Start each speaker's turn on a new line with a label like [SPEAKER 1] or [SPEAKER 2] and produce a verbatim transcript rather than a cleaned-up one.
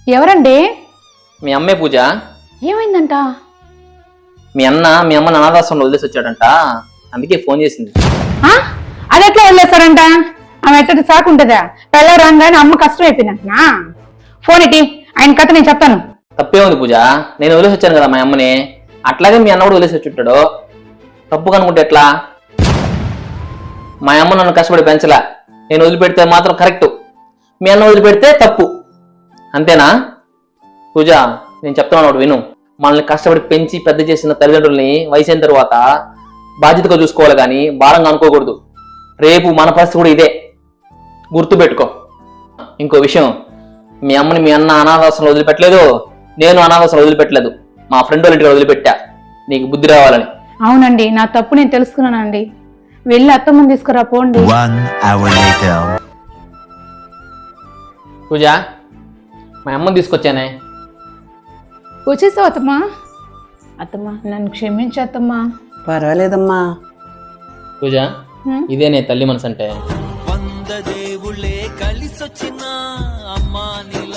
[SPEAKER 1] ఎవరండి?
[SPEAKER 2] మీ అమ్మే పూజ.
[SPEAKER 1] ఏమైందంట?
[SPEAKER 2] మీ అన్న మీ అమ్మని అనాథాశ్రమంలో వదిలేసి వచ్చాడంట, అందుకే ఫోన్ చేసింది.
[SPEAKER 1] అది ఎట్లా వదిలేస్తారంట? ఆమె ఎట్టటి సాకుంటుందా? పెళ్ళ రాగానే అమ్మ కష్టం అయిపోయిందంటనా? ఫోన్ ఇటీ, ఆయన కథ నేను చెప్తాను.
[SPEAKER 2] తప్పే ఉంది పూజ, నేను వదిలేసి వచ్చాను కదా మా అమ్మని, అట్లాగే మీ అన్న కూడా వదిలేసి వచ్చుంటాడు. తప్పు కనుకుంటే ఎట్లా? మా అమ్మ నన్ను కష్టపడి పెంచలా, నేను వదిలిపెడితే మాత్రం కరెక్ట్, మీ అన్న వదిలిపెడితే తప్పు. అంతేనా పూజ? నేను చెప్తున్నాను విను. మనల్ని కష్టపడి పెంచి పెద్ద చేసిన తల్లిదండ్రుల్ని వయసు అయిన తర్వాత బాధ్యతగా చూసుకోవాలి కానీ భారంగా అనుకోకూడదు. రేపు మన పరిస్థితి కూడా ఇదే, గుర్తుపెట్టుకో. ఇంకో విషయం, మీ అమ్మని మీ అన్న అనాథాశ్రమంలో వదిలిపెట్టలేదు, నేను అనాథాశ్రమంలో వదిలిపెట్టలేదు, మా ఫ్రెండ్ వాళ్ళ ఇంటికి వదిలిపెట్టా, నీకు బుద్ధి రావాలని.
[SPEAKER 1] అవునండి, నా తప్పు నేను తెలుసుకున్నానండి. వెళ్ళి అత్తమ్మని తీసుకురా పోండి.
[SPEAKER 2] పూజ, మా అమ్మని తీసుకొచ్చానే.
[SPEAKER 1] వచ్చేసావు అత్తమ్మా? అత్తమ్మా నన్ను క్షమించు అత్తమ్మా.
[SPEAKER 3] పర్వాలేదమ్మా.
[SPEAKER 2] పూజ, ఇదే నే తల్లి మనసు అంటే.
[SPEAKER 4] వంద దేవుళ్ళే కలిసొచ్చిన అమ్మా